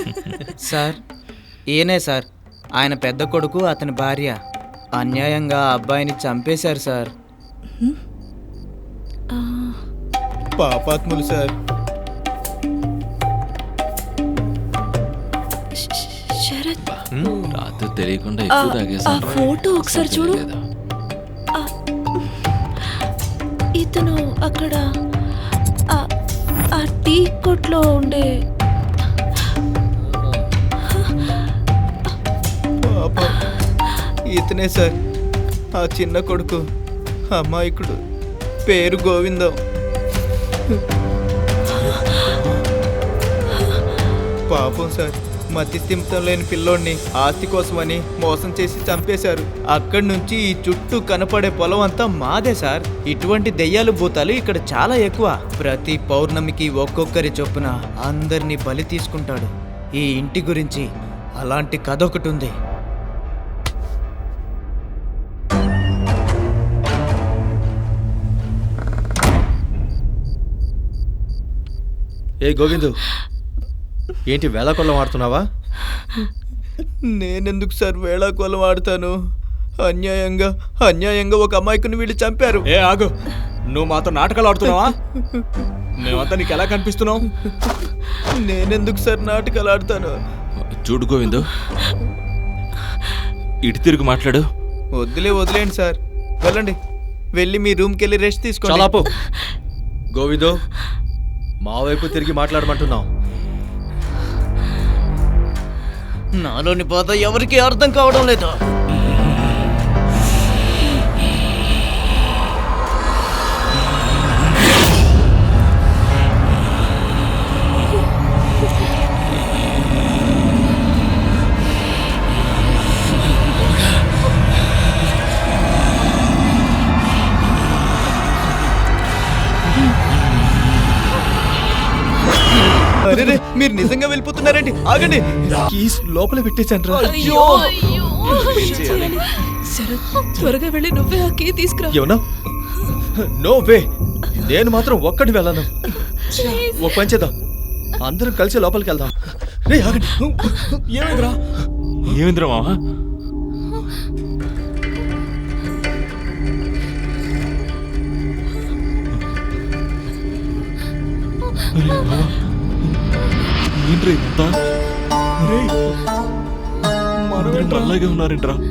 Sir ఈయనే sir, ఆయన పెద్ద కొడుకు, అతని భార్య అన్యాయంగా ఆ అబ్బాయిని చంపేశారు సార్. పాపాత్ములు సార్. శరత్, రాత్రి తెలియకుండా ఎక్కువ ఆ తాగేసాను. ఫోటో ఒకసారి చూడు. ఇతను అక్కడ ఆ టీ కొట్లో ఉండే పాపం, ఇతనే సార్ ఆ చిన్న కొడుకు, అమాయకుడు, పేరు గోవిందం. పాపం సార్, మతి స్థిమితం లేని పిల్లోడిని ఆస్తి కోసమని మోసం చేసి చంపేశారు. అక్కడి నుంచి ఈ చుట్టూ కనపడే పొలం అంతా మాదే సార్. ఇటువంటి దెయ్యాలు భూతాలు ఇక్కడ చాలా ఎక్కువ. ప్రతి పౌర్ణమికి ఒక్కొక్కరి చొప్పున అందరినీ బలి తీసుకుంటాడు. ఈ ఇంటి గురించి అలాంటి కథ ఒకటి ఉంది. ఏ గోవిందు, ఏంటి వేళాకొల్లం ఆడుతున్నావా? నేనెందుకు సార్ వేళాకోలం ఆడతాను? అన్యాయంగా ఒక అమ్మాయికుని వీళ్ళు చంపారు. ఏ ఆగు, నువ్వు మాతో నాటకాలు ఆడుతున్నావా? మేమంతా నీకు ఎలా కనిపిస్తున్నావు? నేనెందుకు సార్ నాటకాలు ఆడతాను? చూడు గోవిందు, ఇటు తిరిగి మాట్లాడు. వదిలేండి సార్, వెళ్ళండి. వెళ్ళి మీ రూమ్కి వెళ్ళి రెస్ట్ తీసుకోండి. చాలాపు గోవిందు, మా వైపు తిరిగి మాట్లాడమంటున్నావు. నాలోని బాధ ఎవరికీ అర్థం కావడం లేదు. అరే, మీరు నిజంగా వెళ్ళిపోతున్నారండి? ఆగండి, కీస్ లోపల పెట్టేశాను రా. శరత్, త్వరగా వెళ్ళి నువ్వే ఆ కీ తీసుకురా. ఏమన్నా? నో వే, నేను మాత్రం ఒక్కడి వెళ్ళను. ఒక పని చేద్దాం, అందరం కలిసి లోపలికి వెళ్దాం. రే ఆగండి. ఏమైందిరా? ఏమింద్రా మావా? ఏంట్రా ఇదంతా? మనమేంట్రా అలాగే ఉన్నారేంట్రా?